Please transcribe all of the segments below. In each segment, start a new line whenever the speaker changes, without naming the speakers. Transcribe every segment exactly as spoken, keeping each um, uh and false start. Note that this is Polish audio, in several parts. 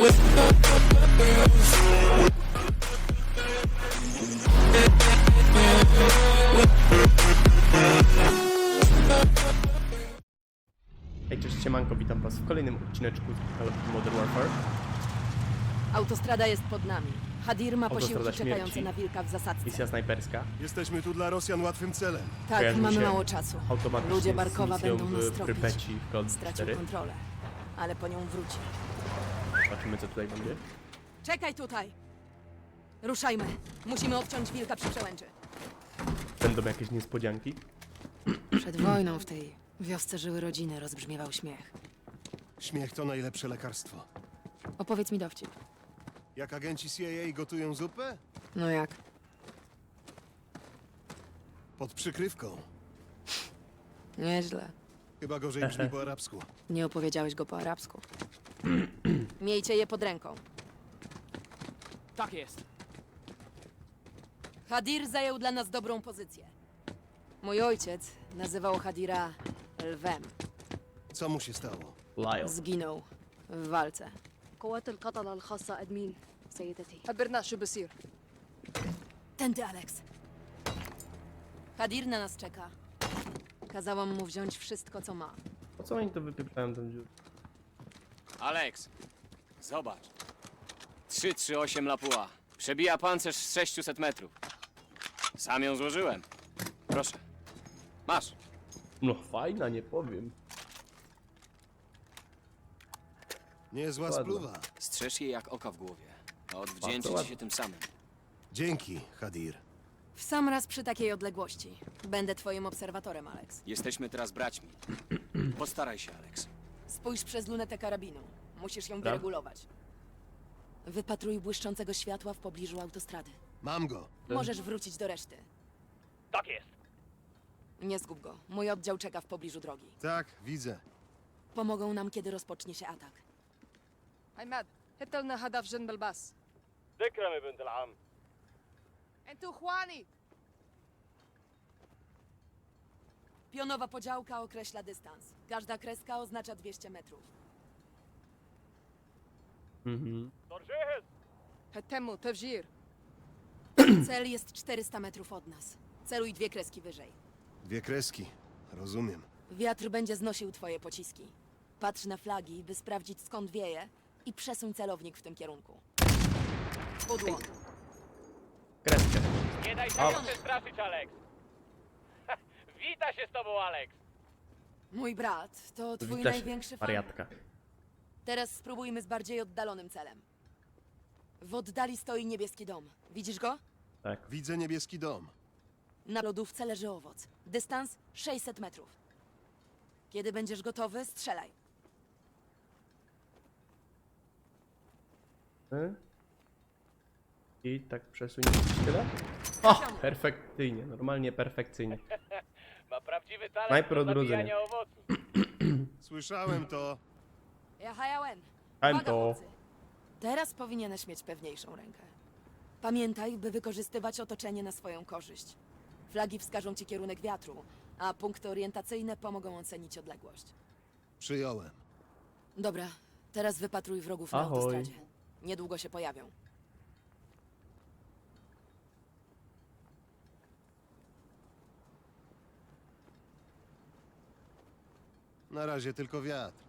Hej, cześć, siemanko, witam was w kolejnym odcineczku z Call of Duty Modern Warfare.
Autostrada jest pod nami. Hadir ma
Autostrada
posiłki
śmierci.
czekające na wilka w zasadzce.
Misja snajperska.
Jesteśmy tu dla Rosjan łatwym celem.
Tak,
Kojarzy mi
mamy
się
mało czasu.
Automatycznie
Ludzie
z
Barkowa
misją
będą nas
w
tropić.
Prypeci w Call of Duty
Stracił
cztery.
kontrolę, ale po nią wróci.
Zobaczymy, co tutaj będzie.
Czekaj tutaj! Ruszajmy. Musimy odciąć wilka przy przełęczy.
Będą jakieś niespodzianki.
Przed wojną w tej wiosce żyły rodziny, rozbrzmiewał śmiech.
Śmiech to najlepsze lekarstwo.
Opowiedz mi dowcip.
Jak agenci C I A gotują zupę?
No jak?
Pod przykrywką.
Nieźle.
Chyba gorzej brzmi po arabsku.
Nie opowiedziałeś go po arabsku. Miejcie je pod ręką.
Tak jest.
Hadir zajął dla nas dobrą pozycję. Mój ojciec nazywał Hadira lwem.
Co mu się stało?
Lyle.
Zginął w walce.
قوات القتلة الخاصة أدمين سيدتي.
خبرنا شو بصير. Tędy, Alex. Hadir na nas czeka. Kazałam mu wziąć wszystko, co ma.
Po co oni to wypieprzają tą dziurę?
Alex, zobacz. trzy trzy osiem Lapua. Przebija pancerz z sześciuset metrów. Sam ją złożyłem. Proszę. Masz.
No fajna, nie powiem.
Niezła
Ładna.
spluwa.
Strzeż jej jak oka w głowie. A odwdzięczy
Bardzo
ci
ładnie.
się tym samym.
Dzięki, Hadir.
W sam raz przy takiej odległości. Będę twoim obserwatorem, Alex.
Jesteśmy teraz braćmi. Postaraj się, Alex.
Spójrz przez lunetę karabinu. Musisz ją
Dobra.
wyregulować. Wypatruj błyszczącego światła w pobliżu autostrady.
Mam go.
Możesz wrócić do reszty.
Tak jest.
Nie zgub go. Mój oddział czeka w pobliżu drogi.
Tak, widzę.
Pomogą nam, kiedy rozpocznie się atak.
عماد هات لنا هدف جنب الباص.
تكرمي بنت العم.
انتوا اخواني.
Pionowa podziałka określa dystans. Każda kreska oznacza dwieście metrów.
Mhm.
صار جاهز.
هتموا تفجير.
Cel jest czterysta metrów od nas. Celuj dwie kreski wyżej.
Dwie kreski. Rozumiem.
Wiatr będzie znosił twoje pociski. Patrz na flagi, by sprawdzić, skąd wieje, i przesuń celownik w tym kierunku. Pudło.
Kreskę.
Nie daj się
O.
już przestraszyć, Alex. Wita się z tobą, Alex.
Mój brat to twój
Wita się,
największy fan.
wariatka.
Teraz spróbujmy z bardziej oddalonym celem. W oddali stoi niebieski dom. Widzisz go?
Tak.
Widzę niebieski dom.
Na lodówce leży owoc. Dystans sześćset metrów. Kiedy będziesz gotowy, strzelaj.
Y? I tak przesunięć tyle. O! Perfekcyjnie, normalnie perfekcyjnie.
Ma prawdziwy talent
Snajper
do
odrodzenia.
zabijania owoców.
Słyszałem to.
Ja hajałem.
Hajem to.
Teraz powinieneś mieć pewniejszą rękę. Pamiętaj, by wykorzystywać otoczenie na swoją korzyść. Flagi wskażą ci kierunek wiatru, a punkty orientacyjne pomogą ocenić odległość.
Przyjąłem.
Dobra, teraz wypatruj wrogów na
Ahoj.
autostradzie. Niedługo się pojawią.
Na razie tylko wiatr.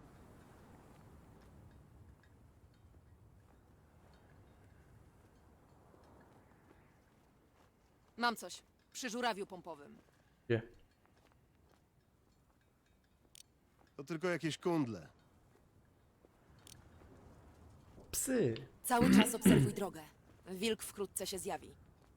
Mam coś. Przy żurawiu pompowym.
Gdzie?
To tylko jakieś kundle.
Psy.
Cały czas obserwuj drogę. Wilk wkrótce się zjawi.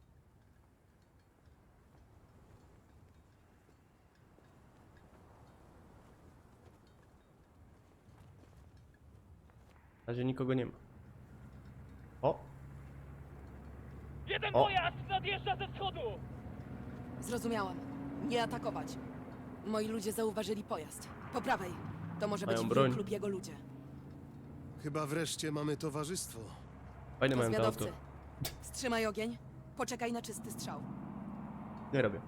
Na razie nikogo nie ma. O!
Jeden
O.
pojazd nadjeżdża ze wschodu.
Zrozumiałam. Nie atakować. Moi ludzie zauważyli pojazd. Po prawej. To może
Mają
być
broń.
wilk lub jego ludzie.
Chyba wreszcie mamy towarzystwo.
Fajne
To
mają to auto.
zwiadowcy. Wstrzymaj ogień. Poczekaj na czysty strzał.
Nie robię.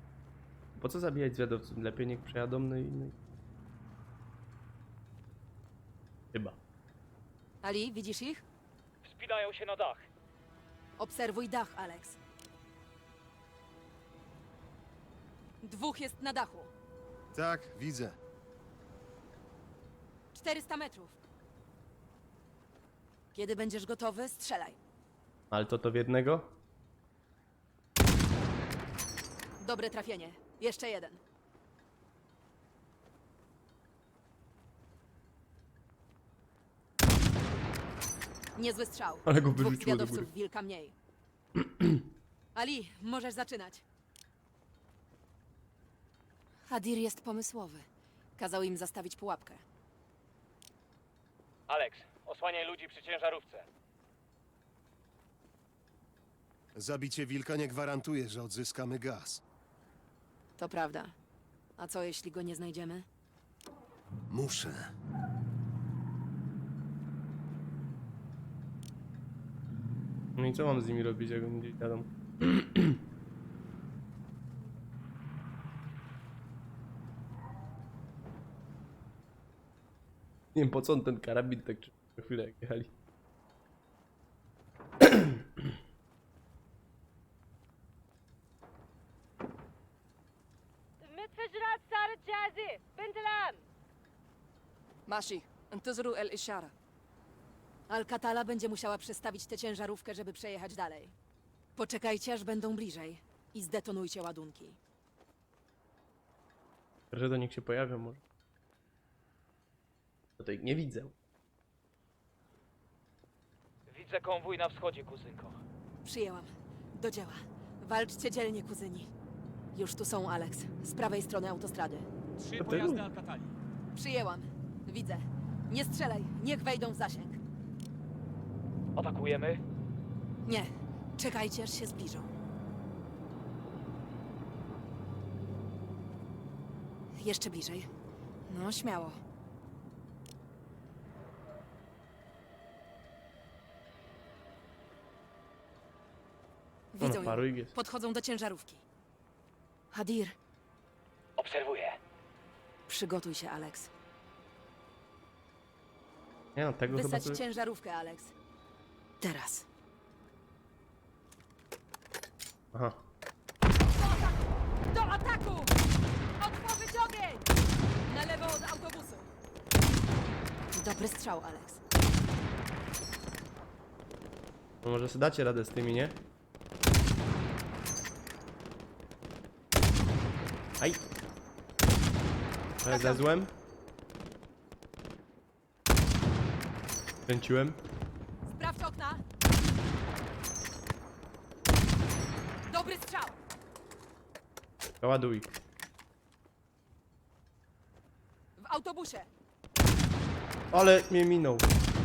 Po co zabijać zwiadowców? Lepiej niech przejadą na innej. Chyba.
Ali, widzisz ich?
Wspinają się na dach.
Obserwuj dach, Alex. Dwóch jest na dachu.
Tak, widzę.
czterysta metrów. Kiedy będziesz gotowy, strzelaj.
Ale to to w jednego?
Dobre trafienie. Jeszcze jeden. Niezły strzał.
Ale go
Dwóch
wyrzuciło do
zwiadowców
góry.
wilka mniej. Ali, możesz zaczynać. Hadir jest pomysłowy. Kazał im zastawić pułapkę.
Alex, osłaniaj ludzi przy ciężarówce.
Zabicie wilka nie gwarantuje, że odzyskamy gaz.
To prawda. A co jeśli go nie znajdziemy?
Muszę.
No i co mam z nimi robić, jak oni gdzieś jadą? Nie wiem po co on ten karabin tak czy co chwilę jak jechali.
المتفجرات صارت جاهزة بنت الآن.
ماشي انتظروا الإشارة.
Alcatala będzie musiała przestawić tę ciężarówkę, żeby przejechać dalej. Poczekajcie, aż będą bliżej i zdetonujcie ładunki.
Że to niech się pojawią może. Tutaj nie widzę.
Widzę konwój na wschodzie, kuzynko.
Przyjęłam. Do dzieła. Walczcie dzielnie, kuzyni. Już tu są, Alex. Z prawej strony autostrady.
Trzy
To
pojazdy
tylu.
Alcatali.
Przyjęłam. Widzę. Nie strzelaj. Niech wejdą w zasięg.
Atakujemy?
Nie. Czekajcie, aż się zbliżą. Jeszcze bliżej. No, śmiało. Widzą
No, paru
ją.
ich jest.
Podchodzą do ciężarówki. Hadir,
Obserwuję.
przygotuj się, Alex.
Nie no, tego chyba
Wysadź
sobie...
ciężarówkę, Alex. Teraz.
Aha.
Do ataku! Otworzyć ogień! Na lewo od autobusu. Dobry strzał, Alex.
No może sobie dacie radę z tymi, nie? Aj! Ale zezłem. Kręciłem.
Sprawdź okna. Dobry strzał.
Ładuj.
W autobusie.
Ale mnie minął.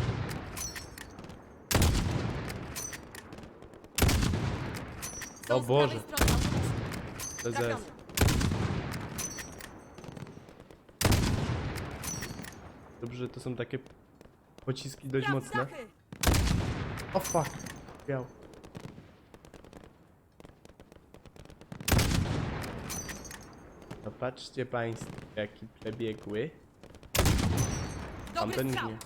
Są
O
z
Boże.
prawej strony autobusu.
T Z
Trafiony.
S. Dobrze, że to są takie pociski dość
Sprawdź
mocne.
dachy.
O fuck. Biał. No patrzcie państwo, jaki przebiegły.
Dobry
Tamten
strzał.
nie.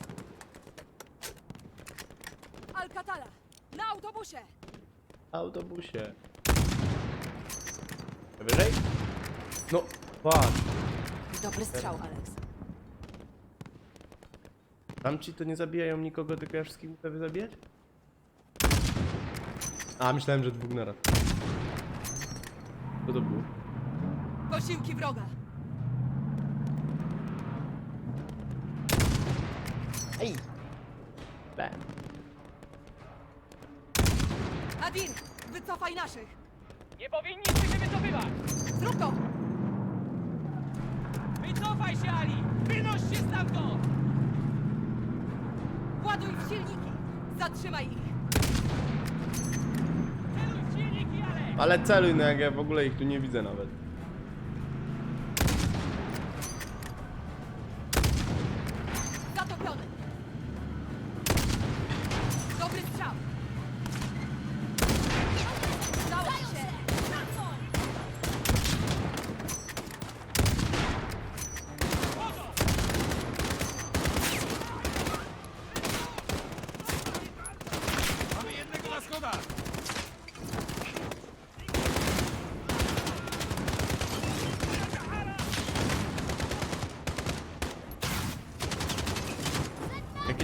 Alcatala. Na autobusie.
Autobusie. Wyżej? No, patrz.
Dobry strzał, Alex.
Tamci to nie zabijają nikogo, tylko ja wszystkich muszę wyzabijać? A, myślałem, że dwóch naraz. Co to było?
Posiłki wroga.
Ej! Be.
Hadir, wycofaj naszych.
Nie powinniśmy się wycofywać!
Zrób to.
Wycofaj się, Ali! Wynoś się stamtąd!
Właduj w silniki. Zatrzymaj ich.
Celuj w silniki, Alex!
Ale celuj, no jak ja w ogóle ich tu nie widzę nawet.
Zatopiony. Dobry strzał. Udało się.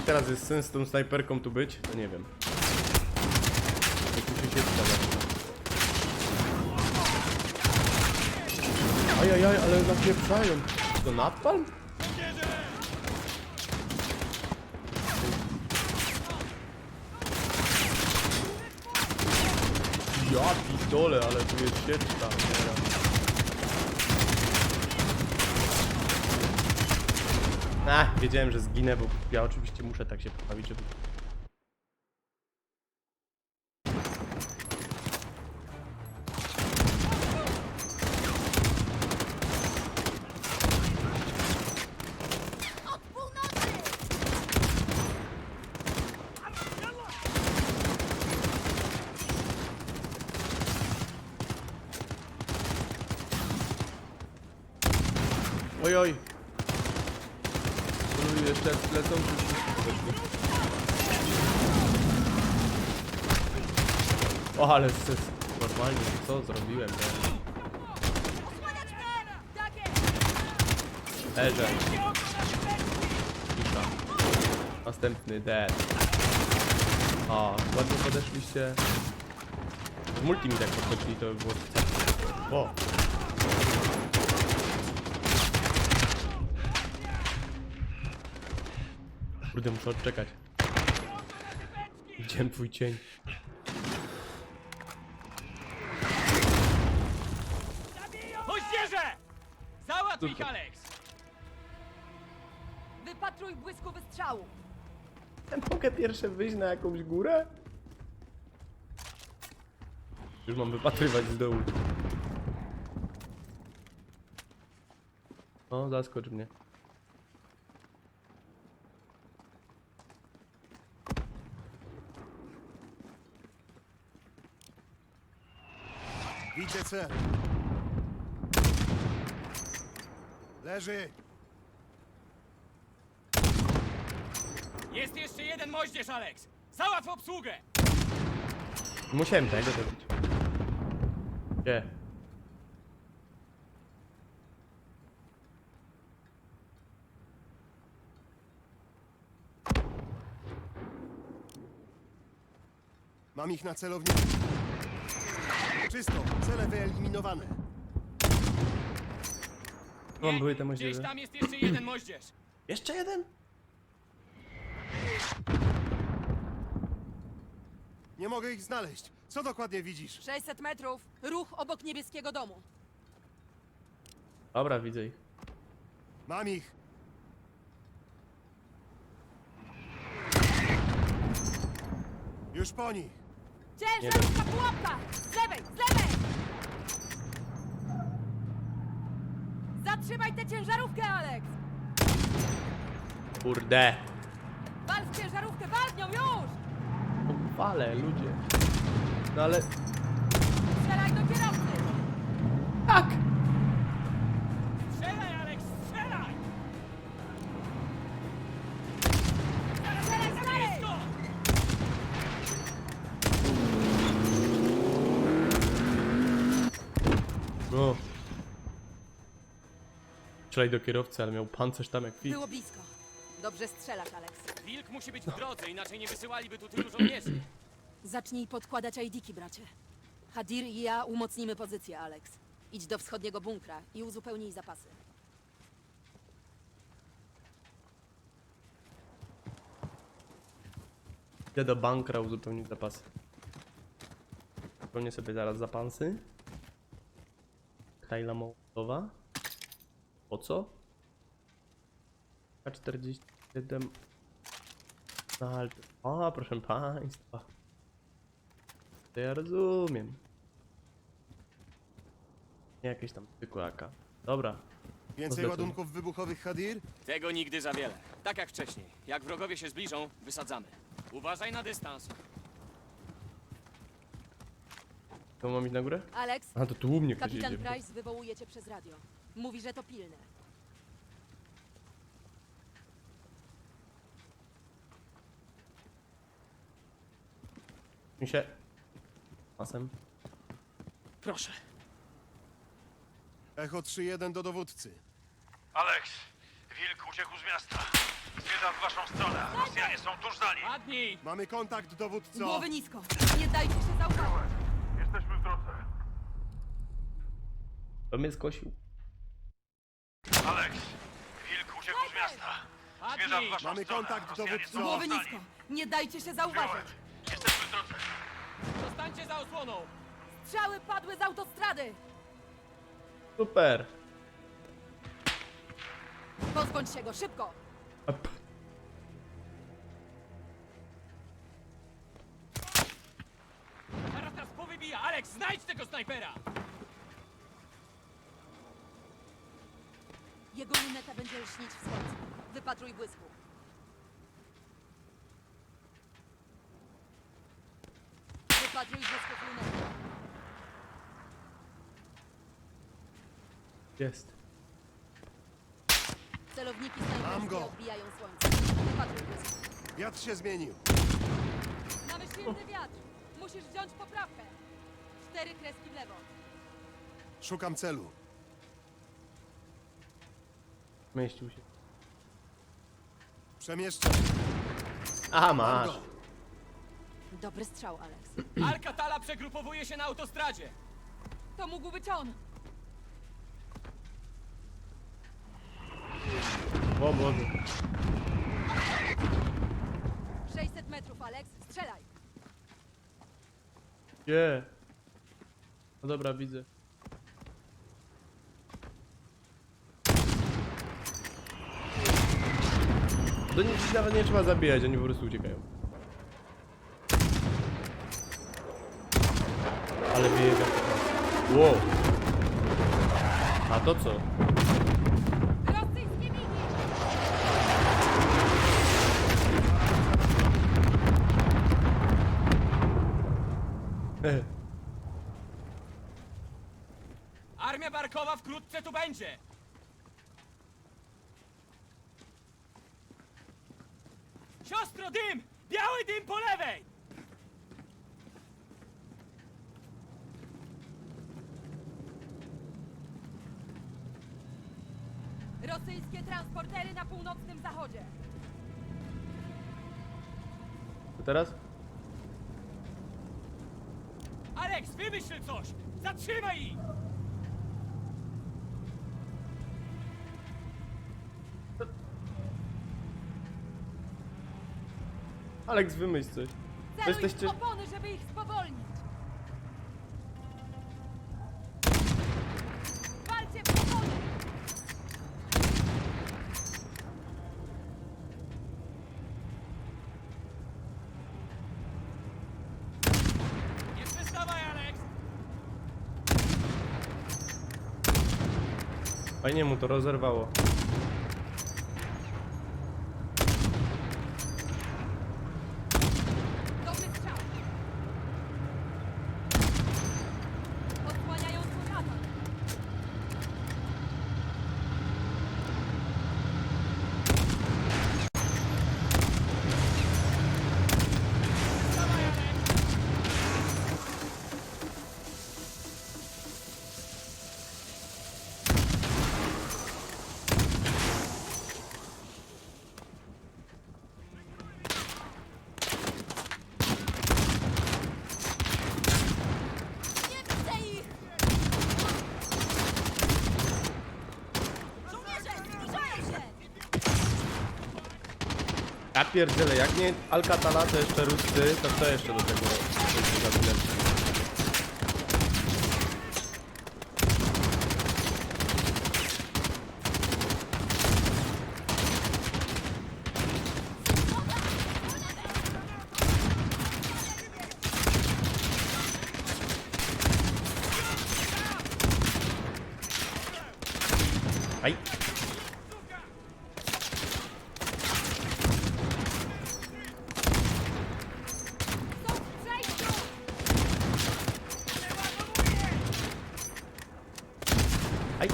teraz jest sens z tą snajperką tu być? To nie wiem. Jak tu się siedzi tam. Ajajaj, ale napieprzają. To napalm? Ja pitole, ale tu jest sieczka. Ach, wiedziałem, że zginę, bo ja oczywiście muszę tak się poprawić, żeby... Oj, oj. Oj, jeszcze lecą. O, ale sys. Normalnie, co zrobiłem teraz? Leżę. Cisza. Następny dead. O, ładnie podeszliście. W multi mi tak podchodzili, to by było... O. Kurde, muszę odczekać. Widziałem twój cień.
Moździerze! Załatw ich, Alex!
Wypatruj błysku wystrzału!
Ja mogę pierwsze wyjść na jakąś górę? Już mam wypatrywać z dołu. O, zaskocz mnie.
Widzę cel. Leży.
Jest jeszcze jeden moździerz, Alex! Załatw obsługę!
Musiałem tego zrobić. Gdzie?
Mam ich na celowniku. Czysto. Cele wyeliminowane.
Mam były te
Gdzieś
moździerze.
tam jest jeszcze jeden moździerz!
Jeszcze jeden?
Nie mogę ich znaleźć. Co dokładnie widzisz?
sześćset metrów, ruch obok niebieskiego domu.
Dobra, widzę ich.
Mam ich. Już po nich.
Ciężarówka, pułapka! Z lewej, z lewej! Zatrzymaj tę ciężarówkę, Alex!
Kurde.
Wal w ciężarówkę, wal w nią już!
Fale, ludzie. No ale...
Strzelaj do kierowcy!
Tak!
Strzelaj, Alex, strzelaj!
Strzelaj, strzelaj!
Blisko!
No. Strzelaj do kierowcy, ale miał pancerz tam jak fit.
Było blisko. Dobrze strzelasz, Alex.
Wilk musi być w drodze, inaczej nie wysyłaliby tu tylu żołnierzy.
Zacznij podkładać I D-ki, bracie. Hadir i ja umocnimy pozycję, Alex. Idź do wschodniego bunkra i uzupełnij zapasy.
Idę do bankra uzupełnić zapasy. Uzupełnię sobie zaraz zapasy. Kajla Mołotowa. Po co? K czterdzieści siedem. A, proszę państwa. To ja rozumiem. Nie jakieś tam zwykłe A K. Dobra.
Więcej
Zdecydowanie.
ładunków wybuchowych, Hadir?
Tego nigdy za wiele. Tak jak wcześniej. Jak wrogowie się zbliżą, wysadzamy.
Uważaj na dystans.
To mam iść na górę?
Alex,
A to tu u mnie ktoś
kapitan
jedzie.
Price wywołuje cię przez radio. Mówi, że to pilne.
Mi się... Pasem.
Proszę.
Echo trzy jeden do dowódcy.
Alex, Wilk uciekł z miasta. Zmierza w waszą stronę. Rosjanie są tuż za nim.
Padnij!
Mamy kontakt, dowódco!
Głowy nisko! Nie dajcie się zauważyć!
Jesteśmy w drodze.
To mnie skosił.
Alex, Wilk uciekł z miasta. Zmierza w waszą
Mamy
stronę.
kontakt,
Rosjanie
dowódco.
są
Głowy
tuż za
nisko!
nim.
Nie dajcie się zauważyć!
Jesteśmy w drodze.
Zostańcie za osłoną!
Strzały padły z autostrady!
Super.
Pozbądź się go, szybko!
Ap.
Zaraz nas powybija! Alex, znajdź tego snajpera!
Jego luneta będzie lśnić w słońcu. Wypatruj błysku. Wypatruj błysków lunety.
Jest.
Celowniki
Mam
snajperskie
go.
odbijają słońce. Wypatruj błysku.
Wiatr się zmienił.
Mamy silny wiatr. Musisz wziąć poprawkę. Cztery kreski w lewo.
Szukam celu.
Mieścił się.
Przemieszczam.
Aha,
Mam
masz.
go.
Dobry strzał, Alex.
Alcatala przegrupowuje się na autostradzie!
To mógł być on.
O Boże.
sześćset metrów, Alex. Strzelaj.
Gdzie? No dobra, widzę. Do nich nawet nie trzeba zabijać, oni po prostu uciekają. Ale biega. Wow. A to co?
Rosyjskie migi!
E,
Armia Barkowa wkrótce tu będzie! Siostro, dym! Biały dym po lewej!
Rosyjskie transportery na północnym zachodzie.
to teraz?
Alex, wymyśl coś! Zatrzymaj ich!
Alex, wymyśl coś.
Celuj
Jesteście-
w opony, żeby ich spowolnić. Walcie w opony!
Nie przestawaj, Alex!
Fajnie mu to rozerwało.
Dobry strzał. Odsłaniają swój atak.
Przestawaj, Alex!
Nie widzę ich! Żołnierze, zbliżają się!
Ja pierdzielę, jak nie Alcatala, to jeszcze Ruscy, to co jeszcze do tego do tego gabinetu? Aj!
Są w przejściu!
Aj!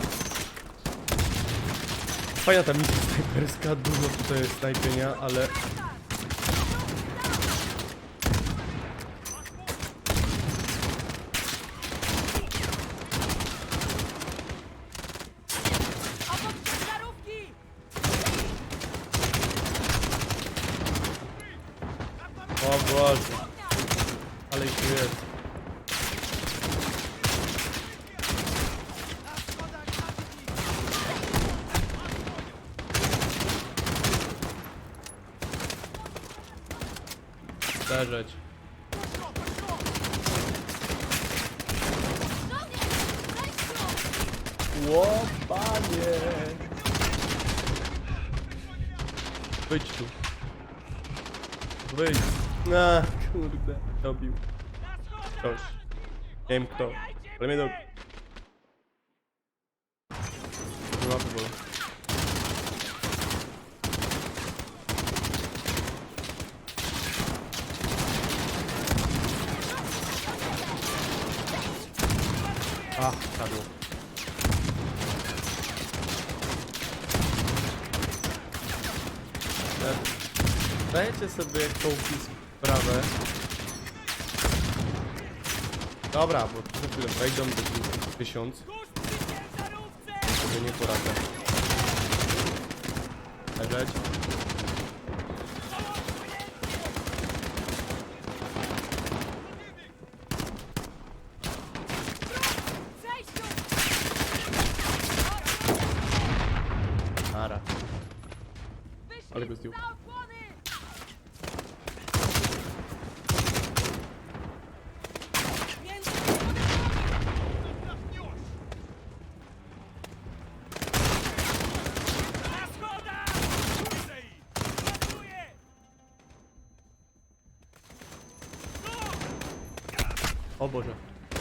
Fajna ta misja snajperska, dużo tutaj jest snajpienia, ale...
Obok ciężarówki!
Boże. Ale ich tu jest. Leżeć. Łopanie! Wyjdź tu. Wyjdź. A, kurde. Dobił. Ktoś. Nie wiem kto. Ale mnie dobił. Nie ma powodu. A, padło. Dajecie sobie kołki sprawę. Dobra, bo za chwilę wejdą do tysiąc. Sobie nie poradzę. Leżeć. Ara. Ale go zdjął. O Boże.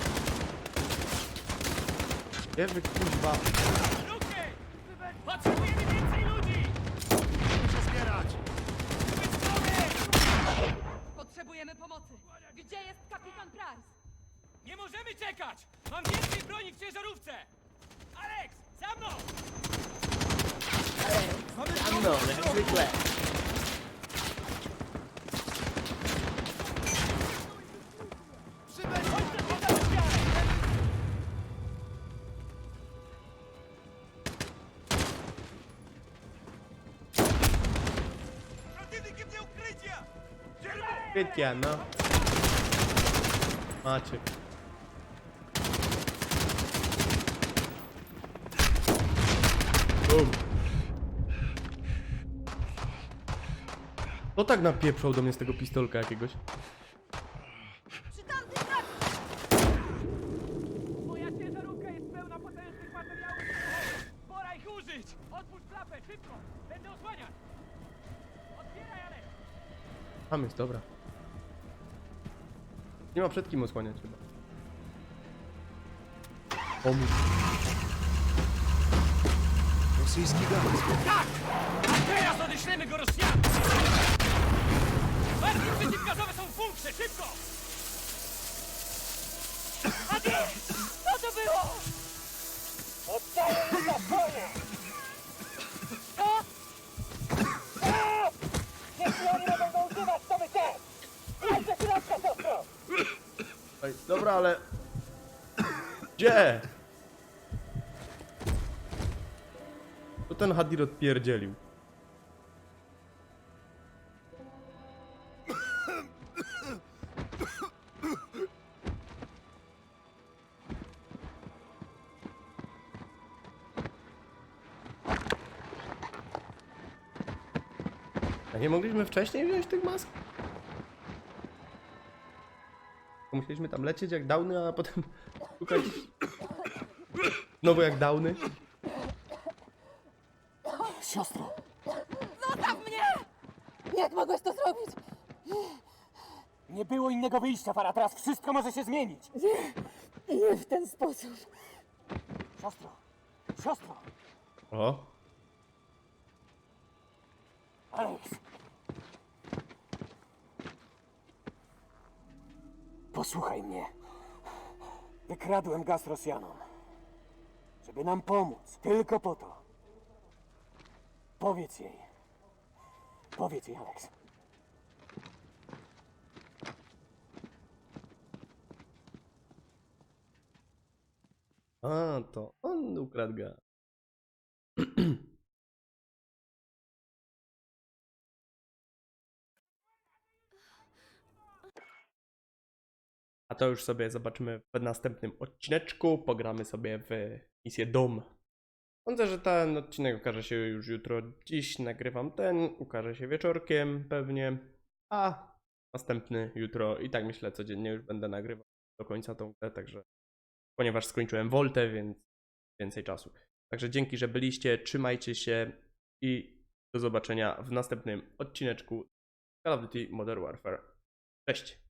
Nie wy kuźwa.
Potrzebujemy więcej ludzi!
Muszę zbierać!
Potrzebujemy pomocy. Gdzie jest kapitan Price?
Nie możemy czekać! Mam więcej broni w ciężarówce! Alex, za mną!
No, jak zwykle. Krytia, no. Macie. Bum. To tak napieprzał do mnie z tego pistolka jakiegoś.
Moja ciężarówka jest pełna potężnych materiałów! Pora ich użyć! Otwórz klapę, szybko! Będę osłaniać! Otwieraj, Alex!
Tam jest, dobra. Nie ma przed kim osłaniać chyba. Pomóż.
Rosyjski gaz.
Tak! A teraz odeślemy go Rosjanom! Barki przeciwgazowe są w bunkrze, szybko! Adi! Co to było? Oddaję za swoje! Co? Jeśli oni będą używać, to my też! Idź do środka, siostro!
Ej, dobra, ale... Gdzie? To ten Hadir odpierdzielił. A nie mogliśmy wcześniej wziąć tych mask? Musieliśmy tam lecieć jak downy, a potem szukać znowu jak downy.
Siostro!
Zostaw mnie! Jak mogłeś to zrobić?
Nie było innego wyjścia, Fara. Teraz wszystko może się zmienić.
Nie w ten sposób.
Siostro! Siostro!
O,
Alex! Posłuchaj mnie. Wykradłem gaz Rosjanom. Żeby nam pomóc. Tylko po to. Powiedz jej. Powiedz jej, Alex.
a to on ukradł gaz. to już sobie zobaczymy w następnym odcineczku. Pogramy sobie w misję Dom. Sądzę, że ten odcinek ukaże się już jutro. Dziś nagrywam ten, ukaże się wieczorkiem pewnie, a następny jutro. I tak myślę, codziennie już będę nagrywał do końca tą grę, także ponieważ skończyłem Voltę, więc więcej czasu. Także dzięki, że byliście, trzymajcie się i do zobaczenia w następnym odcineczku Call of Duty Modern Warfare. Cześć!